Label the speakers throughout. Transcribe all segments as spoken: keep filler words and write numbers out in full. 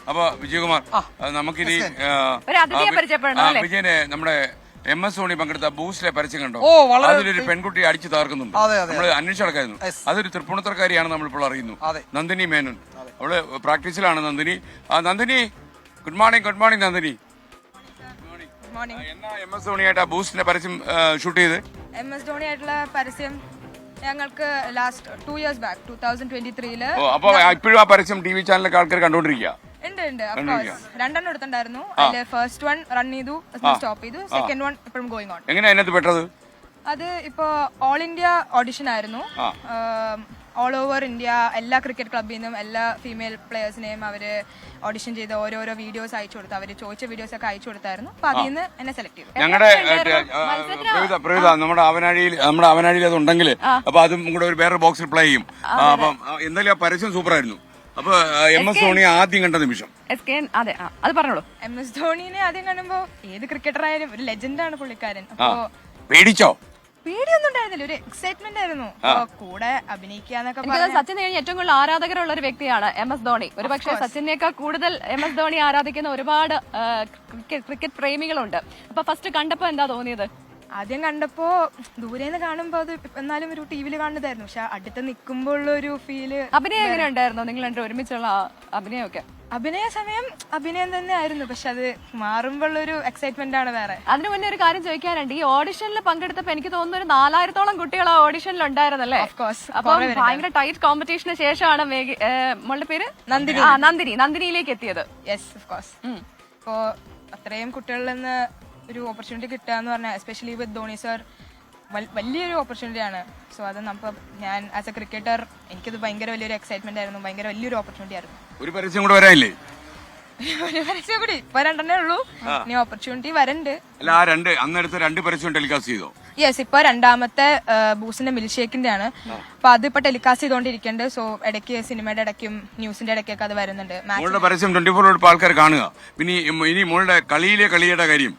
Speaker 1: അപ്പൊ വിജയകുമാർ നമുക്കിനി വിജയനെ നമ്മുടെ എം എസ് ധോണി പങ്കെടുത്ത ബൂസ്റ്റിലെ പരസ്യം കണ്ടോ? അതിലൊരു പെൺകുട്ടി അടിച്ചു താർക്കുന്നുണ്ട്. നമ്മൾ അന്വേഷിച്ച് നടക്കായിരുന്നു. അതൊരു തൃപ്പൂണിത്തറക്കാരിയാണ് നമ്മളിപ്പോൾ അറിയുന്നു, നന്ദിനി മേനോൻ. അവള് പ്രാക്ടീസിലാണ് Nandini. Nandini good morning. Good morning Nandini. എന്നാ എം എസ് ധോണിയായിട്ട് ബൂസ്റ്റിന്റെ പരസ്യം ഷൂട്ട് ചെയ്ത്?
Speaker 2: എം എസ് ധോണി ആയിട്ടുള്ള പരസ്യം ഞങ്ങൾക്ക് last two years back two thousand twenty ത്രീയില്.
Speaker 1: അപ്പൊ ഇപ്പോഴും ആ പരസ്യം ടി വി ചാനലൊക്കെ ആൾക്കാർ കണ്ടോണ്ടിരിക്കുക?
Speaker 2: ഉണ്ട് ഉണ്ട് രണ്ടെണ്ണം എടുത്തിട്ടുണ്ടായിരുന്നു. അതില് ഫസ്റ്റ് വൺ റൺ ചെയ്തു, സ്റ്റോപ്പ് ചെയ്തു. സെക്കൻഡ് വൺ ഇപ്പോഴും ഗോയിങ് ഓൺ.
Speaker 1: എങ്ങനെ അതിനകത്ത് പെട്ടത്?
Speaker 2: അത് ഇപ്പോ ഓൾ ഇന്ത്യ ഓഡിഷൻ ആയിരുന്നു. ഓൾ ഓവർ ഇന്ത്യ എല്ലാ ക്രിക്കറ്റ് ക്ലബിൽ നിന്നും എല്ലാ ഫീമെയിൽ പ്ലേയേഴ്സിനെയും അവര് ഓഡിഷൻ ചെയ്ത് ഓരോരോ വീഡിയോസ് അയച്ചു കൊടുത്തു. അവര് ചോദിച്ച വീഡിയോസ് ഒക്കെ അയച്ചു കൊടുത്തായിരുന്നു. അപ്പൊ അതിൽ നിന്ന് എന്നെ സെലക്ട് ചെയ്തു.
Speaker 1: ഞങ്ങളുടെ നമ്മുടെ അവനാഴിയിൽ നമ്മുടെ അവനാഴിയിൽ അത് ഉണ്ടെങ്കിൽ അപ്പൊ അതും കൂടെ ഒരു വേറെ ബോക്സിൽ പ്ലേ ചെയ്യും. അപ്പം എന്തായാലും ആ പരസ്യം സൂപ്പർ ആയിരുന്നു. അപ്പൊ എം എസ് ധോണി ആദ്യം കണ്ട നിമിഷം?
Speaker 3: അതെ അത് പറഞ്ഞോളൂ.
Speaker 2: എം എസ് ധോണിനെ ആദ്യം കാണുമ്പോ ഏത് ക്രിക്കറ്റർ ആയാലും ഒരു ലെജൻഡാണ് പുള്ളിക്കാരൻ. അപ്പൊ
Speaker 1: പേടിച്ചോ?
Speaker 2: പേടിയൊന്നും ഉണ്ടായിരുന്നില്ല, ഒരു എക്സൈറ്റ്മെന്റ് ആയിരുന്നു. കൂടെ അഭിനയിക്കാന്നൊക്കെ.
Speaker 3: സച്ചിൻ കഴിഞ്ഞ ഏറ്റവും കൂടുതൽ ആരാധകരുള്ള ഒരു വ്യക്തിയാണ് എം എസ് ധോണി. ഒരു പക്ഷേ സച്ചിനേക്കാൾ കൂടുതൽ എം എസ് ധോണി ആരാധിക്കുന്ന ഒരുപാട് ക്രിക്കറ്റ് പ്രേമികളുണ്ട്. അപ്പൊ ഫസ്റ്റ് കണ്ടപ്പോ എന്താ തോന്നിയത്?
Speaker 2: ആദ്യം കണ്ടപ്പോ ദൂരേന്ന് കാണുമ്പോ അത് എന്നാലും ഒരു ടിവിയിൽ കാണുന്നതായിരുന്നു. പക്ഷെ അടുത്ത് നിൽക്കുമ്പോൾ ഉള്ള ഒരു ഫീല്.
Speaker 3: അഭിനയം എങ്ങനെ ഉണ്ടായിരുന്നു? നിങ്ങൾ രണ്ടും ഒരുമിച്ചുള്ള അഭിനയമൊക്കെ?
Speaker 2: അഭിനയ സമയം അഭിനയം തന്നെ ആയിരുന്നു, പക്ഷെ അത് മാറുമ്പോൾ ഒരു എക്സൈറ്റ്മെന്റ് ആണ് വേറെ.
Speaker 3: അതിനു മുന്നേ ഒരു കാര്യം ചോദിക്കാനുണ്ട്. ഈ ഓഡിഷനിൽ പങ്കെടുത്തപ്പോ എനിക്ക് തോന്നുന്നു ഒരു നാലായിരത്തോളം കുട്ടികൾ ആ ഓഡിഷനിൽ ഉണ്ടായിരുന്നല്ലേ? അപ്പൊ ഭയങ്കര ടൈറ്റ് കോമ്പറ്റീഷന് ശേഷമാണ് മോളുടെ പേര് നന്ദിനി ആ നന്ദിനി നന്ദിനിയിലേക്ക് എത്തിയത്.
Speaker 2: Yes of course. ഇപ്പോ അത്രയും കുട്ടികളിൽ നിന്ന് ഒരു ഓപ്പർച്യൂണിറ്റി കിട്ടുക എന്ന് പറഞ്ഞാൽ എസ്പെഷ്യലി വിത്ത് ധോണി സർ വലിയൊരു ഓപ്പർച്യൂണിറ്റി ആണ്. സോ അത് നമുക്ക് ഞാൻ ആസ് എ ക്രിക്കറ്റർ എനിക്കത് ഭയങ്കര വലിയൊരു എക്സൈറ്റ്മെന്റ് ആയിരുന്നു, ഭയങ്കര വലിയൊരു ഓപ്പർച്യൂണിറ്റി ആയിരുന്നു.
Speaker 1: ഒരു പരസ്യം കൂടെ വരാനില്ലേ?
Speaker 2: ഒരു പരസ്യം കൂടി ഇപ്പൊ രണ്ടെണ്ണേ ഉള്ളൂ, ഇനി ഓപ്പർച്യൂണിറ്റി വരണ്ട്.
Speaker 1: അല്ല ആ രണ്ട് അന്നെടുത്ത രണ്ട് പരസ്യം ടെലികാസ്റ്റ് ചെയ്തോ?
Speaker 2: യെസ്, ഇപ്പൊ രണ്ടാമത്തെ ബൂസിന്റെ മിൽക്ക് ഷേക്കിന്റെ ആണ്. അപ്പൊ അത് ഇപ്പൊ ടെലികാസ്റ്റ് ചെയ്തോണ്ടിരിക്കുന്നുണ്ട്. സോ ഇടയ്ക്ക് സിനിമയുടെ ഇടയ്ക്കും ന്യൂസിന്റെ ഇടയ്ക്കൊക്കെ അത് വരുന്നുണ്ട്.
Speaker 1: മോളുടെ പരസ്യം ട്വന്റി ഫോർ ആൾക്കാർ കാണുക. പിന്നെ ഇനി മോളുടെ കളിയിലെ കളിയുടെ കാര്യം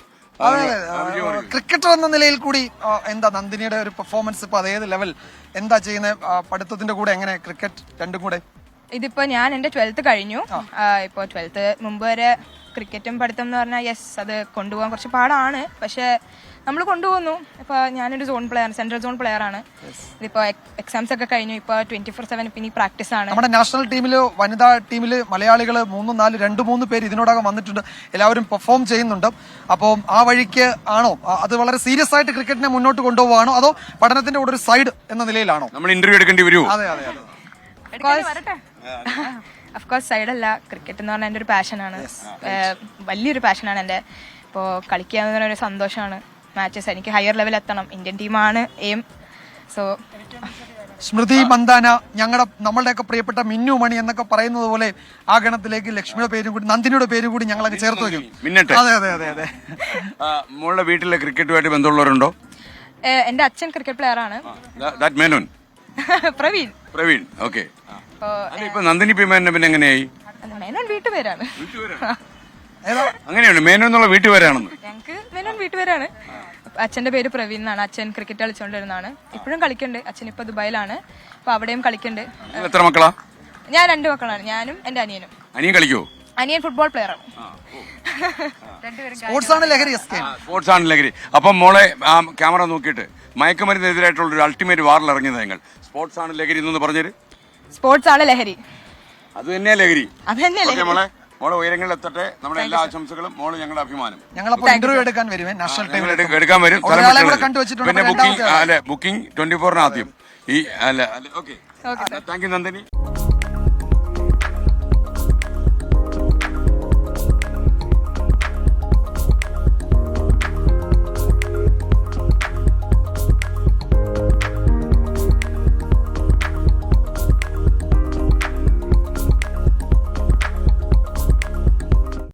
Speaker 4: ക്രിക്കറ്റർ എന്ന നിലയിൽ കൂടി എന്താ നന്ദിനിയുടെ ഒരു പെർഫോമൻസ് ഇപ്പൊ അതേത് ലെവൽ എന്താ ചെയ്യുന്നത്? പഠിത്തത്തിന്റെ കൂടെ എങ്ങനെ ക്രിക്കറ്റ് രണ്ടും കൂടെ?
Speaker 2: ഇതിപ്പോ ഞാൻ എന്റെ ട്വൽത്ത് കഴിഞ്ഞു. ഇപ്പൊ ട്വൽത്ത് മുമ്പ് വരെ ക്രിക്കറ്റും പഠിത്തം എന്ന് പറഞ്ഞാൽ യെസ് അത് കൊണ്ടുപോകാൻ കുറച്ച് പാടാണ്, പക്ഷെ നമ്മൾ കൊണ്ടുപോകുന്നു. ഇപ്പൊ ഞാനൊരു zone player, central zone player ആണ്. ഇതിപ്പോ എക്സാംസ് ഒക്കെ കഴിഞ്ഞു. ഇപ്പൊ ട്വന്റി ഫോർ സെവൻ പിന്നെ പ്രാക്ടീസ് ആണ്.
Speaker 4: നമ്മുടെ നാഷണൽ ടീമില് വനിതാ ടീമില് മലയാളികൾ മൂന്നും നാല് രണ്ട് മൂന്ന് പേര് ഇതിനോടകം വന്നിട്ടുണ്ട്. എല്ലാവരും പെർഫോം ചെയ്യുന്നുണ്ട്. അപ്പോൾ ആ വഴിക്ക് ആണോ അത് വളരെ സീരിയസ് ആയിട്ട് ക്രിക്കറ്റിനെ മുന്നോട്ട് കൊണ്ടുപോകുകയാണോ അതോ പഠനത്തിന്റെ കൂടെ ഒരു സൈഡ് എന്ന നിലയിലാണോ?
Speaker 1: നമ്മൾ ഇന്റർവ്യൂ എടുക്കേണ്ടി വരുമോ?
Speaker 4: അതെ അതെ അതെ
Speaker 2: അഫ്കോഴ്സ് സൈഡല്ല, ക്രിക്കറ്റ് എന്ന് പറഞ്ഞാൽ എൻ്റെ ഒരു പാഷനാണ്, വലിയൊരു പാഷനാണ് എൻ്റെ. ഇപ്പോൾ കളിക്കുക എന്ന് പറഞ്ഞ ഒരു സന്തോഷമാണ്. മാച്ചസ് എനിക്ക് ഹയർ ലെവൽ എത്തണം, ഇന്ത്യൻ ടീമാണ് എയിം. സോ
Speaker 4: സ്മൃതി മന്ദാന, ഞങ്ങളുടെ നമ്മളുടെയൊക്കെ പ്രിയപ്പെട്ട മിന്നു മണി എന്നൊക്കെ പറയുന്നത് പോലെ ആ ഗണത്തിലേക്ക് ലക്ഷ്മിയുടെ പേരും കൂടി നന്ദിനിയുടെ പേരും കൂടി ഞങ്ങളൊക്കെ ചേർത്ത് വയ്ക്കും. അതെ അതെ അതെ അതെ
Speaker 1: മോളുടെ വീട്ടിലെ ക്രിക്കറ്റുമായിട്ട് ബന്ധമുള്ളവരുണ്ടോ?
Speaker 2: എൻ്റെ അച്ഛൻ ക്രിക്കറ്റ് പ്ലെയർ ആണ്, പ്രവീൺ.
Speaker 1: പ്രവീൺ ഓക്കെ. ഇപ്പൊ നന്ദിനി പി മേനോൻ പിന്നെ എങ്ങനെയായി?
Speaker 2: മേനോൻ വീട്ടുപേരാണ്.
Speaker 1: അങ്ങനെയാണ് മേനോൻ എന്നുള്ള വീട്ടുപേരാണെന്ന്?
Speaker 2: ഞങ്ങക്ക് മേനോൻ വീട്ടുപേരാണ്. അച്ഛന്റെ പേര് പ്രവീൺ എന്നാണ്. അച്ഛൻ ക്രിക്കറ്റ് കളിച്ചോണ്ടിരുന്നതാണ്, ഇപ്പോഴും കളിക്കുന്നുണ്ട്. അച്ഛൻ ഇപ്പൊ ദുബായിലാണ്, അപ്പൊ അവിടെയും കളിക്കുന്നുണ്ട്.
Speaker 1: എത്ര മക്കളാ?
Speaker 2: ഞാൻ രണ്ട് മക്കളാണ്, ഞാനും എന്റെ അനിയനും.
Speaker 1: അനിയൻ കളിക്കുവോ?
Speaker 2: അനിയൻ ഫുട്ബോൾ പ്ലെയർ ആണ്.
Speaker 4: സ്പോർട്സ് ആണ് ലഹരി.
Speaker 1: സ്പോർട്സ് ആണ് ലഹരി. അപ്പം മോളെ ആ ക്യാമറ നോക്കിയിട്ട് മയക്കുമരുന്നെതിരായിട്ടുള്ള ഒരു അൾട്ടിമേറ്റ് വാറിൽ ഇറങ്ങിയത് നിങ്ങൾ. സ്പോർട്സ് ആണ് ലഹരി എന്ന് പറഞ്ഞത്?
Speaker 2: സ്പോർട്സ് ആണ് ലഹരി,
Speaker 1: അത് തന്നെയാ ലഹരി.
Speaker 2: അത് തന്നെയല്ലേ
Speaker 1: മോളെ. മോളെ ഉയരങ്ങളിൽ എത്തട്ടെ. നമ്മുടെ എല്ലാ ആശംസകളും. മോള് ഞങ്ങളുടെ അഭിമാനം.
Speaker 4: ഞങ്ങളപ്പോൾ ഇന്റർവ്യൂ എടുക്കാൻ വരുമേ നാഷണൽ ടീമിൽ
Speaker 1: എടുക്കാൻ വരും. പിന്നെ ബുക്കിംഗ് അല്ലെ ബുക്കിംഗ് ട്വന്റി ഫോറിന് ആദ്യം ഈ അല്ല ഓക്കെ. Thank you Nandini.